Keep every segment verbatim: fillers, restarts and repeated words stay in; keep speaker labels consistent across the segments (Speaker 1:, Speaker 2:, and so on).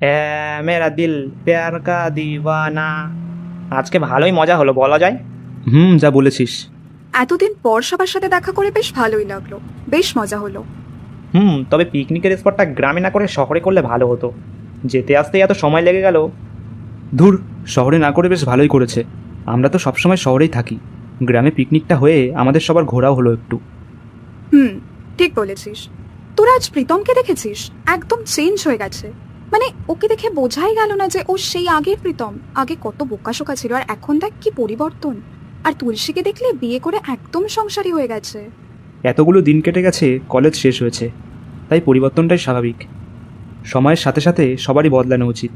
Speaker 1: এ মেরা দিল প্যার কা দিওয়ানা। আজকে ভালোই মজা হলো বলা যায়।
Speaker 2: হুম, যা বলেছিস।
Speaker 3: এতদিন পর সবার সাথে দেখা করে বেশ ভালোই লাগলো, বেশ মজা হলো।
Speaker 1: হুম, তবে পিকনিকের স্পটটা গ্রামে না করে শহরে করলে ভালো হতো। যেতে আসতে এত সময় লেগে গেল।
Speaker 2: ধুর, শহরে না করে বেশ ভালোই করেছে। আমরা তো সবসময় শহরেই থাকি। গ্রামে পিকনিকটা হয়ে আমাদের সবার ঘোরাও হলো একটু।
Speaker 3: হুম, ঠিক বলেছিস। তোরা আজ প্রীতমকে দেখেছিস? একদম চেঞ্জ হয়ে গেছে। মানে ওকে দেখে বোঝাই গেল না যে ও সেই আগের প্রীতম। আগে কত বোকাশোকা ছিল, আর এখন দেখ কি পরিবর্তন। আর তুলসীকে দেখলে বিয়ে করে একদম সংসারী হয়ে গেছে।
Speaker 2: এতগুলো দিন কেটে গেছে, কলেজ শেষ হয়েছে, তাই পরিবর্তনটাই স্বাভাবিক। সময়ের সাথে সাথে সবারই বদলানো উচিত।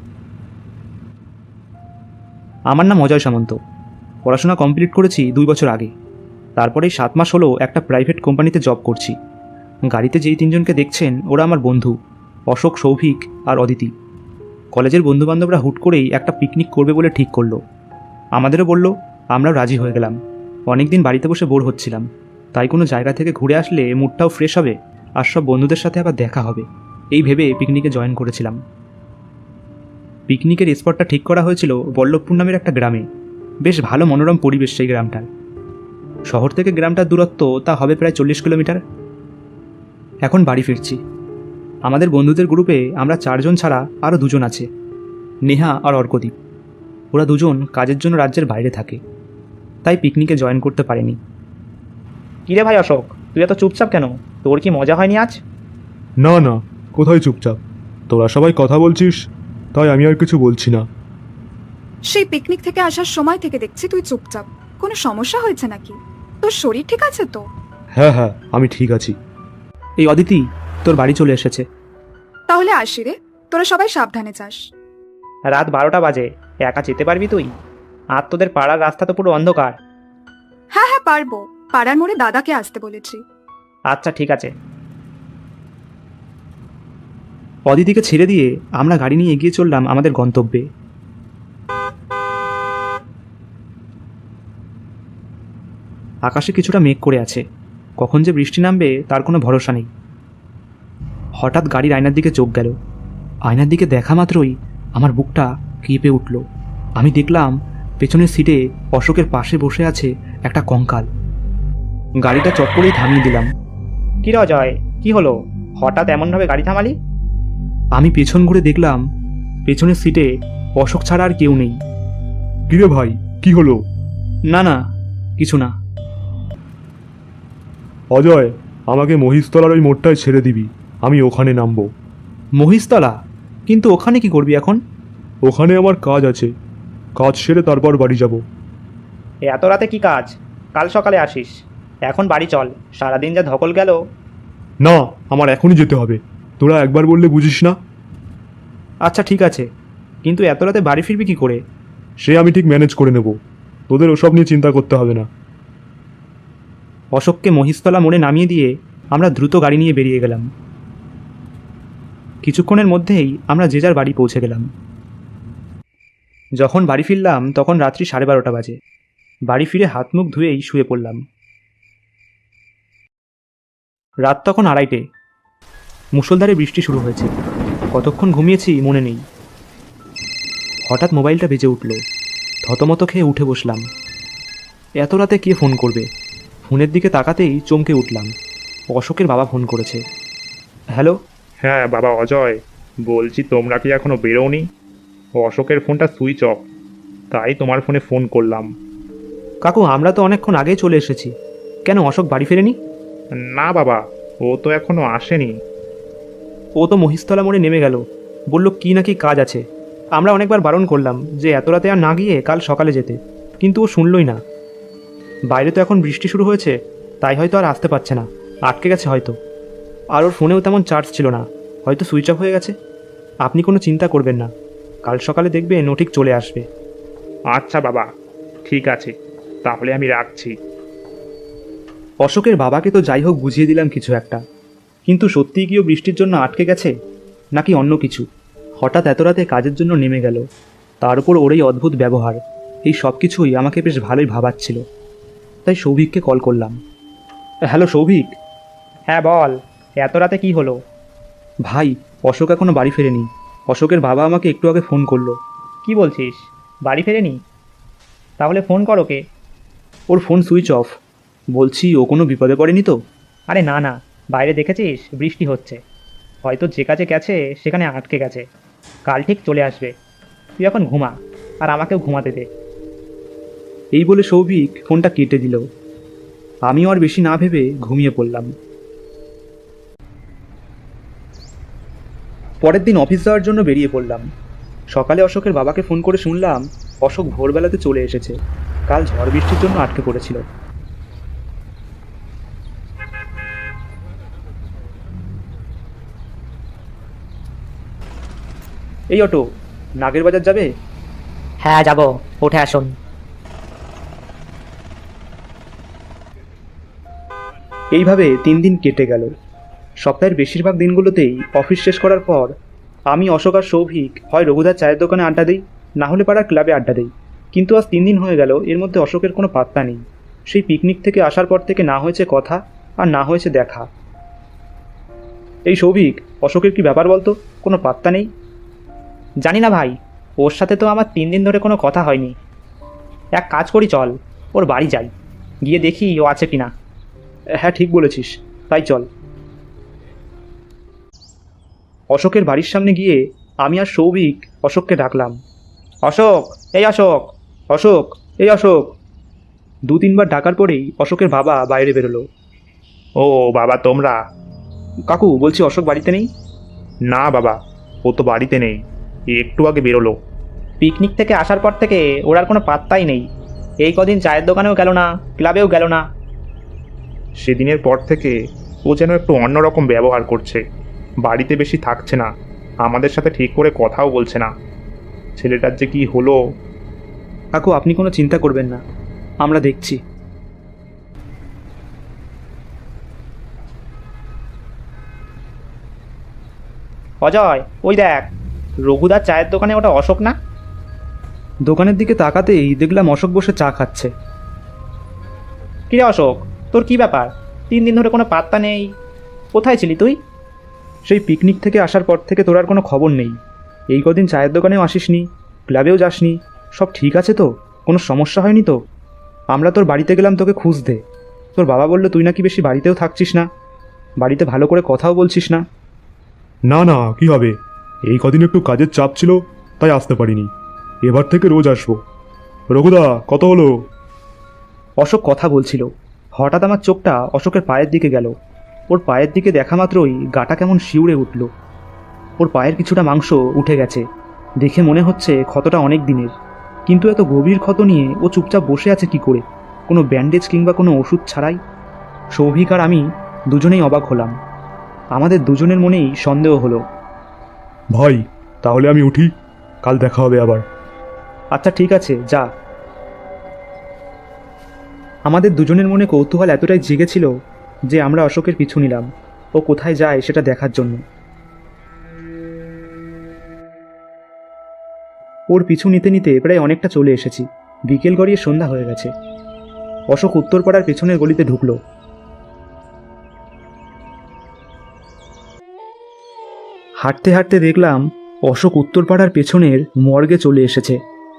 Speaker 2: আমার নাম অজয় সামন্ত। পড়াশোনা কমপ্লিট করেছি দুই বছর আগে। তারপরেই সাত মাস হলো একটা প্রাইভেট কোম্পানিতে জব করছি। গাড়িতে যেই তিনজনকে দেখছেন ওরা আমার বন্ধু, অশোক, সৌভিক আর অদিতি। কলেজের বন্ধুবান্ধবরা হুট করেই একটা পিকনিক করবে বলে ঠিক করলো। আমাদেরও বলল, আমরাও রাজি হয়ে গেলাম। অনেকদিন বাড়িতে বসে বোর হচ্ছিলাম, তাই কোনো জায়গা থেকে ঘুরে আসলে মুডটাও ফ্রেশ হবে, আর সব বন্ধুদের সাথে আবার দেখা হবে, এই ভেবে পিকনিকে জয়েন করেছিলাম। পিকনিকের স্পটটা ঠিক করা হয়েছিল বল্লভপুর নামের একটা গ্রামে। বেশ ভালো মনোরম পরিবেশ সেই গ্রামটার। শহর থেকে গ্রামটার দূরত্ব তা হবে প্রায় চল্লিশ কিলোমিটার। এখন বাড়ি ফিরছি। আমাদের বন্ধুদের গ্রুপে আমরা চারজন ছাড়া আরও দুজন আছে, নেহা আর অর্কদীপ। ওরা দুজন কাজের জন্য রাজ্যের বাইরে থাকে, তাই পিকনিকে জয়েন করতে পারেনি।
Speaker 1: কিরে ভাই অশোক, তুই এত চুপচাপ কেন? তোর কি মজা হয়নি আজ?
Speaker 4: না না, কোথায় চুপচাপ? তোরা সবাই কথা বলছিস, তাই আমি আর কিছু বলছি না।
Speaker 3: সেই পিকনিক থেকে আসার সময় থেকে দেখছি তুই চুপচাপ। কোনো সমস্যা হয়েছে নাকি? তোর শরীর ঠিক আছে তো?
Speaker 4: হ্যাঁ হ্যাঁ, আমি ঠিক আছি।
Speaker 2: এই অদিতি, তোর বাড়ি চলে এসেছে।
Speaker 3: তাহলে আসি রে, তোরা সবাই সাবধানে যাস।
Speaker 1: রাত বারোটা বাজে, একা যেতে পারবি তুই? আর তোদের পাড়ার রাস্তা তো পুরো অন্ধকার।
Speaker 3: হ্যাঁ হ্যাঁ পারবো, পাড়ার মোড়ে দাদাকে আসতে বলেছি।
Speaker 1: আচ্ছা ঠিক আছে।
Speaker 2: অদিতিকে ছেড়ে দিয়ে আমরা গাড়ি নিয়ে এগিয়ে চললাম আমাদের গন্তব্যে। আকাশে কিছুটা মেঘ করে আছে, কখন যে বৃষ্টি নামবে তার কোনো ভরসা নেই। হঠাৎ গাড়ির আয়নার দিকে চোখ গেল। আয়নার দিকে দেখা মাত্রই আমার বুকটা কেঁপে উঠল। আমি দেখলাম পেছনের সিটে অশোকের পাশে বসে আছে একটা কঙ্কাল। গাড়িটা চট করেই থামিয়ে দিলাম।
Speaker 1: কি রে অজয়, কি হলো? হঠাৎ এমনভাবে গাড়ি থামালি?
Speaker 2: আমি পেছন ঘুরে দেখলাম পেছনের সিটে অশোক ছাড়া আর কেউ নেই।
Speaker 4: কিরে ভাই, কি হলো?
Speaker 2: না না, কিছু না।
Speaker 4: অজয়, আমাকে মহিষতলার ওই মোড়টায় ছেড়ে দিবি, আমি ওখানে নামবো।
Speaker 2: মহিষতলা? কিন্তু ওখানে কি করবি এখন?
Speaker 4: ওখানে আমার কাজ আছে, কাজ সেরে তারপর বাড়ি যাব।
Speaker 1: এত রাতে কি কাজ? কাল সকালে আসিস। এখন বাড়ি চল, সারাদিন যা ধকল গেল।
Speaker 4: না, আমার এখনই যেতে হবে। তোরা একবার বললে বুঝিস না।
Speaker 2: আচ্ছা ঠিক আছে, কিন্তু এত রাতে বাড়ি ফিরবি কি করে?
Speaker 4: সে আমি ঠিক ম্যানেজ করে নেব, তোদের ওসব নিয়ে চিন্তা করতে হবে না।
Speaker 2: অশোককে মহিষতলা মোড়ে নামিয়ে দিয়ে আমরা দ্রুত গাড়ি নিয়ে বেরিয়ে গেলাম। কিছুক্ষণের মধ্যেই আমরা যে যার বাড়ি পৌঁছে গেলাম। যখন বাড়ি ফিরলাম তখন রাত্রি সাড়ে বারোটা বাজে। বাড়ি ফিরে হাত মুখ ধুয়েই শুয়ে পড়লাম। রাত তখন আড়াইটে। মুষলধারে বৃষ্টি শুরু হয়েছে। কতক্ষণ ঘুমিয়েছি মনে নেই। হঠাৎ মোবাইলটা বেজে উঠল। থতমত খেয়ে উঠে বসলাম। এত রাতে কে ফোন করবে? ফোনের দিকে তাকাতেই চমকে উঠলাম। অশোকের বাবা ফোন করেছে। হ্যালো।
Speaker 5: হ্যাঁ বাবা অজয়, বলছি তোমরা কি এখনো বেরোওনি? অশোকের ফোনটা সুইচ অফ, তাই তোমার ফোনে ফোন করলাম।
Speaker 2: কাকু, আমরা তো অনেকক্ষণ আগেই চলে এসেছি। কেন, অশোক বাড়ি ফেরেনি?
Speaker 5: না বাবা, ও তো এখনো আসেনি।
Speaker 2: ও তো মহিষতলা মোড়ে নেমে গেল, বলল কি নাকি কাজ আছে। আমরা অনেকবার বারণ করলাম যে এত রাতে আর না গিয়ে কাল সকালে যেতে, কিন্তু ও শুনলই না। বাইরে তো এখন বৃষ্টি শুরু হয়েছে, তাই হয়তো আর আসতে পারছে না, আটকে গেছে হয়তো। আর ওর ফোনেও তেমন চার্জ ছিল না, হয়তো সুইচ অফ হয়ে গেছে। আপনি কোনো চিন্তা করবেন না, কাল সকালে দেখবেন ও ঠিক চলে আসবে।
Speaker 5: আচ্ছা বাবা, ঠিক আছে, তাহলে আমি রাখছি।
Speaker 2: অশোকের বাবাকে তো যাই হোক বুঝিয়ে দিলাম কিছু একটা, কিন্তু সত্যিই কি ও বৃষ্টির জন্য আটকে গেছে নাকি অন্য কিছু? হঠাৎ এত রাতে কাজের জন্য নেমে গেল, তার উপর ওর এই অদ্ভুত ব্যবহার, এই সব কিছুই আমাকে বেশ ভালোই ভাবাচ্ছিল। তাই সৌভিককে কল করলাম। হ্যালো সৌভিক।
Speaker 1: হ্যাঁ বল, এত রাতে কি হলো?
Speaker 2: ভাই, অশোক এখনো বাড়ি ফেরেনি। অশোকের বাবা আমাকে একটু আগে ফোন করলো।
Speaker 1: কি বলছিস? বাড়ি ফেরেনি? তাহলে ফোন কর ওকে।
Speaker 2: ওর ফোন সুইচ অফ। বলছি ও কোনো বিপদে পড়েনি তো?
Speaker 1: আরে না না, বাইরে দেখেছিস বৃষ্টি হচ্ছে, হয়তো যে কাজে গেছে সেখানে আটকে গেছে, কাল ঠিক চলে আসবে। তুই এখন ঘুমা, আর আমাকেও ঘুমাতে দে।
Speaker 2: এই বলে সৌভিক ফোনটা কেটে দিল। আমিও আর বেশি না ভেবে ঘুমিয়ে পড়লাম। পরের দিন অফিস যাওয়ার জন্য বেরিয়ে পড়লাম। সকালে অশোকের বাবাকে ফোন করে শুনলাম অশোক ভোরবেলাতে চলে এসেছে, কাল ঝড় বৃষ্টির জন্য আটকে পড়েছিল। এই অটো, নাগের বাজার যাবে?
Speaker 1: হ্যাঁ যাব, উঠে আসুন।
Speaker 2: এইভাবে তিন দিন কেটে গেল। সপ্তাহের বেশিরভাগ দিনগুলোতেই অফিস শেষ করার পর আমি, অশোক আর সৌভিক হয় রঘুদার চায়ের দোকানে আড্ডা দিই, না হলে পাড়ার ক্লাবে আড্ডা দিই। কিন্তু আজ তিন দিন হয়ে গেল, এর মধ্যে অশোকের কোনো পাত্তা নেই। সেই পিকনিক থেকে আসার পর থেকে না হয়েছে কথা, আর না হয়েছে দেখা। এই সৌভিক, অশোকের কি ব্যাপার বলতো? কোনো পাত্তা নেই।
Speaker 1: জানি না ভাই, ওর সাথে তো আমার তিন দিন ধরে কোনো কথা হয়নি। এক কাজ করি, চল ওর বাড়ি যাই, গিয়ে দেখি ও আছে কিনা।
Speaker 2: হ্যাঁ ঠিক বলেছিস, তাই চল। অশোকের বাড়ির সামনে গিয়ে আমি আর সৌভিক অশোককে ডাকলাম।
Speaker 1: অশোক, এই অশোক।
Speaker 2: অশোক, এই অশোক। দু তিনবার ডাকার পরেই অশোকের বাবা বাইরে বেরোলো।
Speaker 5: ও বাবা, তোমরা?
Speaker 2: কাকু, বলছি অশোক বাড়িতে নেই?
Speaker 5: না বাবা, ও তো বাড়িতে নেই, একটু আগে বেরোলো।
Speaker 1: পিকনিক থেকে আসার পর থেকে ওর আর কোনো পাত্তাই নেই। এই কদিন চায়ের দোকানেও গেল না, ক্লাবেও গেল না।
Speaker 5: সেদিনের পর থেকে ও যেন একটু অন্যরকম ব্যবহার করছে, বাড়িতে বেশি থাকছে না, আমাদের সাথে ঠিক করে কথাও বলছে না। ছেলেটার যে কি হলো।
Speaker 2: কাকু, আপনি কোনো চিন্তা করবেন না, আমরা দেখছি।
Speaker 1: অজয়, ওই দেখ, রঘুদার চায়ের দোকানে ওটা অশোক না?
Speaker 2: দোকানের দিকে তাকাতেই দেখলাম অশোক বসে চা খাচ্ছে।
Speaker 1: কিরে অশোক, তোর কি ব্যাপার? তিন দিন ধরে কোনো পাত্তা নেই, কোথায় ছিলি তুই?
Speaker 2: সেই পিকনিক থেকে আসার পর থেকে তোর আর কোনো খবর নেই। এই কদিন চায়ের দোকানেও আসিসনি, ক্লাবেও যাসনি। সব ঠিক আছে তো? কোনো সমস্যা হয়নি তো? আমরা তোর বাড়িতে গেলাম তোকে খুঁজতে, তোর বাবা বললো তুই নাকি বেশি বাড়িতেও থাকছিস না, বাড়িতে ভালো করে কথাও বলছিস না।
Speaker 4: না না, কি হবে, এই কদিন একটু কাজের চাপ ছিল, তাই আসতে পারিনি। এবার থেকে রোজ আসবো। রঘুদা, কত হলো?
Speaker 2: অশোক কথা বলছিল, হঠাৎ আমার চোখটা অশোকের পায়ের দিকে গেল। ওর পায়ের দিকে দেখা মাত্রই গাটা কেমন শিউরে উঠল। ওর পায়ের কিছুটা মাংস উঠে গেছে, দেখে মনে হচ্ছে ক্ষতটা অনেক দিনের। কিন্তু এত গভীর ক্ষত নিয়ে ও চুপচাপ বসে আছে কি করে, কোনো ব্যান্ডেজ কিংবা কোনো ওষুধ ছাড়াই? সৌভিক আর আমি দুজনেই অবাক হলাম। আমাদের দুজনের মনেই সন্দেহ হলো।
Speaker 4: ভাই, তাহলে আমি উঠি, কাল দেখা হবে আবার।
Speaker 2: আচ্ছা ঠিক আছে, যা। আমাদের দুজনের মনে কৌতূহল এতটাই জেগেছিল যে আমরা অশোকের পিছু নিলাম ও কোথায় যায় সেটা দেখার জন্য। ওর পিছু নিতে নিতে প্রায় অনেকটা চলে এসেছি। বিকেল গড়িয়ে সন্ধ্যা হয়ে গেছে। অশোক উত্তরপাড়ার পেছনের গলিতে ঢুকলো। হাঁটতে হাঁটতে দেখলাম অশোক উত্তরপাড়ার পেছনের মর্গে চলে এসেছে।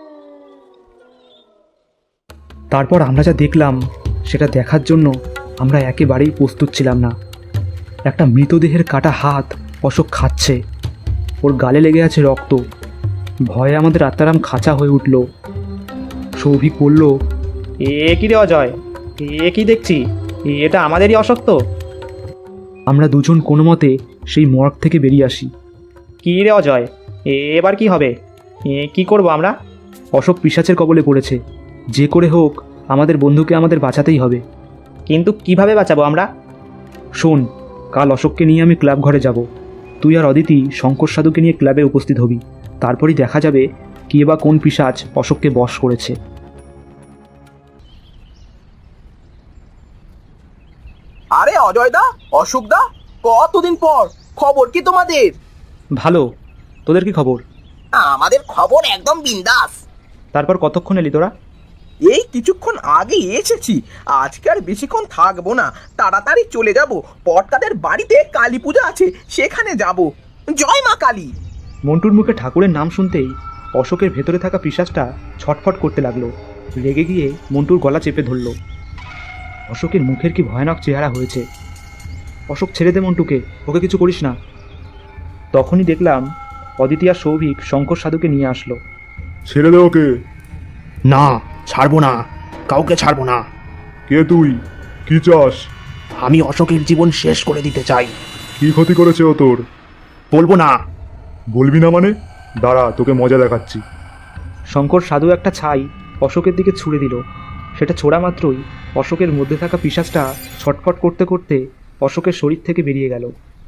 Speaker 2: তারপর আমরা যা দেখলাম সেটা দেখার জন্য আমরা একেবারেই প্রস্তুত ছিলাম না। একটা মৃতদেহের কাটা হাত অশোক খাচ্ছে, ওর গালে লেগে আছে রক্ত। ভয়ে আমাদের আত্মারাম খাঁচা হয়ে উঠল। সৌভিক বলল,
Speaker 1: এ কি রে অজয়, এ কি দেখছি? এটা আমাদেরই অশোক তো?
Speaker 2: আমরা দুজন কোনো মতে সেই মর্গ থেকে বেরিয়ে আসি।
Speaker 1: কি রে অজয়, এবার কি হবে? এ কি করব আমরা?
Speaker 2: অশোক পিশাচের কবলে পড়েছে, যে করে হোক আমাদের বন্ধুকে আমাদের বাঁচাতেই হবে।
Speaker 1: কিন্তু কিভাবে বাঁচাবো আমরা?
Speaker 2: শোন, কাল অশোককে নিয়ে আমি ক্লাব ঘরে যাব। তুই আর অদিতি শঙ্কর সাধুকে নিয়ে ক্লাবে উপস্থিত হবি। তারপরই দেখা যাবে কে বা কোন পিশাচ অশোককে বশ করেছে।
Speaker 6: আরে অজয়দা, অশোকদা, কতদিন পর, খবর কি তোমাদের?
Speaker 2: ভালো, তোদের কি খবর?
Speaker 6: আমাদের খবর একদম বিন্দাস।
Speaker 2: তারপর কতক্ষণ এলি তোরা?
Speaker 6: এই কিছুক্ষণ আগে এসেছি। আজকে আর বেশিক্ষণ থাকবো না, তাড়াতাড়ি চলে যাব। পটকাদের বাড়িতে কালী পূজা আছে, সেখানে যাব। জয় মা কালী।
Speaker 2: মন্টুর মুখে ঠাকুরের নাম শুনতেই অশোকের ভেতরে থাকা পিশাচটা ছটফট করতে লাগলো। রেগে গিয়ে মন্টুর গলা চেপে ধরল। অশোকের মুখের কি ভয়ানক চেহারা হয়েছে। অশোক, ছেড়ে দে মন্টুকে, ওকে কিছু করিস না। তখনই দেখলাম অদিতি আর সৌভিক শঙ্কর সাধুকে নিয়ে আসলো।
Speaker 4: ছেড়ে দে ওকে।
Speaker 7: না, ছাড়বো না, কাউকে ছাড়বো না।
Speaker 4: কে তুই? কি চাস?
Speaker 7: আমি অশোকের জীবন শেষ করে দিতে চাই।
Speaker 4: কি ক্ষতি করেছে ও তোর?
Speaker 7: বলবো না।
Speaker 4: বলবি না মানে? দাঁড়া, তোকে মজা দেখাচ্ছি।
Speaker 2: শঙ্কর সাধু একটা ছাই অশোকের দিকে ছুঁড়ে দিল। সেটা ছোড়া মাত্রই অশোকের মধ্যে থাকা পিশাচটা ছটফট করতে করতে অশোকের শরীর থেকে বেরিয়ে গেল।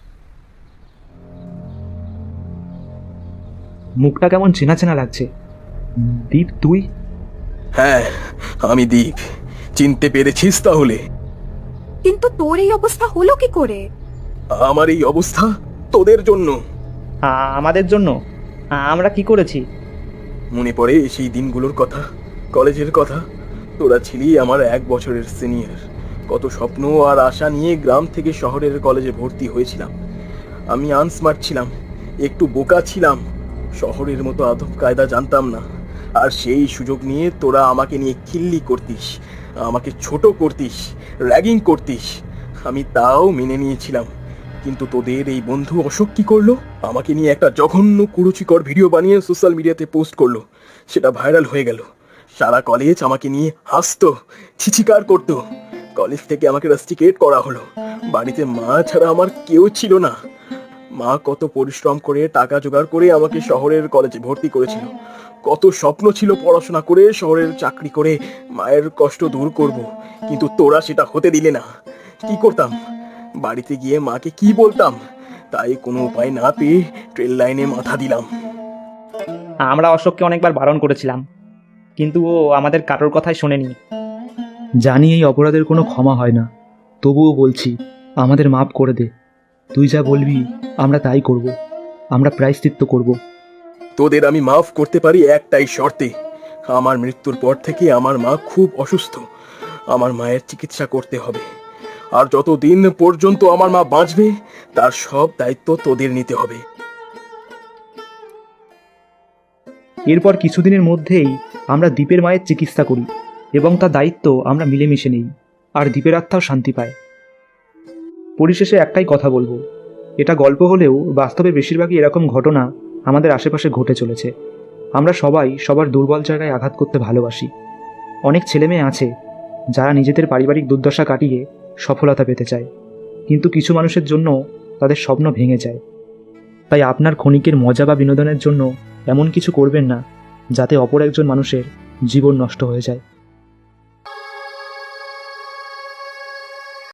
Speaker 2: মুখটা কেমন চেনা চেনা লাগছে। দীপ, তুই?
Speaker 6: হ্যাঁ, আমি দীপ। চিনতে পেরেছিস তাহলে?
Speaker 3: কিন্তু তোর এই অবস্থা হলো কি করে?
Speaker 6: আমার এই অবস্থা তোদের জন্য।
Speaker 1: আ- আমাদের জন্য? আ- আমরা কি করেছি?
Speaker 6: মনে পড়ে সেই দিনগুলোর কথা, কলেজের কথা। তোরা ছিলি আমার এক বছরের সিনিয়র। কত স্বপ্ন আর আশা নিয়ে গ্রাম থেকে শহরের কলেজে ভর্তি হয়েছিলাম। আমি আনস্মার্ট ছিলাম, একটু বোকা ছিলাম, শহরের মতো আদব কায়দা জানতাম না। আর সেই সুযোগ নিয়ে তোরা আমাকে নিয়ে খিল্লি করতিস, আমাকে ছোট করতিস, র্যাগিং করতিস। আমি তাও মেনে নিয়েছিলাম। কিন্তু তোদের এই বন্ধু অশোক কি করলো? আমাকে নিয়ে একটা জঘন্য কুরুচিকর ভিডিও বানিয়ে সোশ্যাল মিডিয়াতে পোস্ট করলো। সেটা ভাইরাল হয়ে গেল। সারা কলেজ আমাকে নিয়ে হাসতো, ছিচিকার করতো। কলেজ থেকে আমাকে রাস্টিকেট করা হলো। বাড়িতে মা ছাড়া আমার কেউ ছিল না। মা কত পরিশ্রম করে টাকা জোগাড় করে আমাকে শহরের কলেজে ভর্তি করেছিল। কত স্বপ্ন ছিল পড়াশোনা করে শহরের চাকরি করে মায়ের কষ্ট দূর করব। কিন্তু তোরা সেটা হতে দিলে না। কি করতাম? বাড়িতে গিয়ে মাকে কি বলতাম? তাই কোনো উপায় না পেয়ে ট্রেন লাইনে মাথা দিলাম।
Speaker 1: আমরা অশোককে অনেকবার বারণ করেছিলাম, কিন্তু ও আমাদের কারোর কথাই শোনেনি।
Speaker 2: জানি এই অপরাধের কোনো ক্ষমা হয় না, তবুও বলছি, আমাদের মাফ করে দে। তুই যা বলবি আমরা তাই করব। আমরা প্রায়শ্চিত্ত করব।
Speaker 6: তোদের আমি মাফ করতে পারি একটাই শর্তে। আমার মৃত্যুর পর থেকে আমার মা খুব অসুস্থ। আমার মায়ের চিকিৎসা করতে হবে। আর যতদিন পর্যন্ত আমার মা বাঁচবে তার সব দায়িত্ব তোদের নিতে হবে।
Speaker 2: এরপর কিছুদিনের মধ্যেই আমরা দীপের মায়ের চিকিৎসা করি এবং তার দায়িত্ব আমরা মিলেমিশে নেই। আর দীপের আত্মাও শান্তি পায়। পরিশেষে একটাই কথা বলবো, এটা গল্প হলেও বাস্তবে বেশিরভাগই এরকম ঘটনা আমাদের আশেপাশে ঘটে চলেছে। আমরা সবাই সবার দুর্বল জায়গায় আঘাত করতে ভালোবাসি। অনেক ছেলেমেয়ে আছে যারা নিজেদের পারিবারিক দুর্দশা কাটিয়ে সফলতা পেতে চায়, কিন্তু কিছু মানুষের জন্য তাদের স্বপ্ন ভেঙে যায়। তাই আপনার ক্ষণিকের মজা বা বিনোদনের জন্য এমন কিছু করবেন না যাতে অপর একজন মানুষের জীবন নষ্ট হয়ে যায়।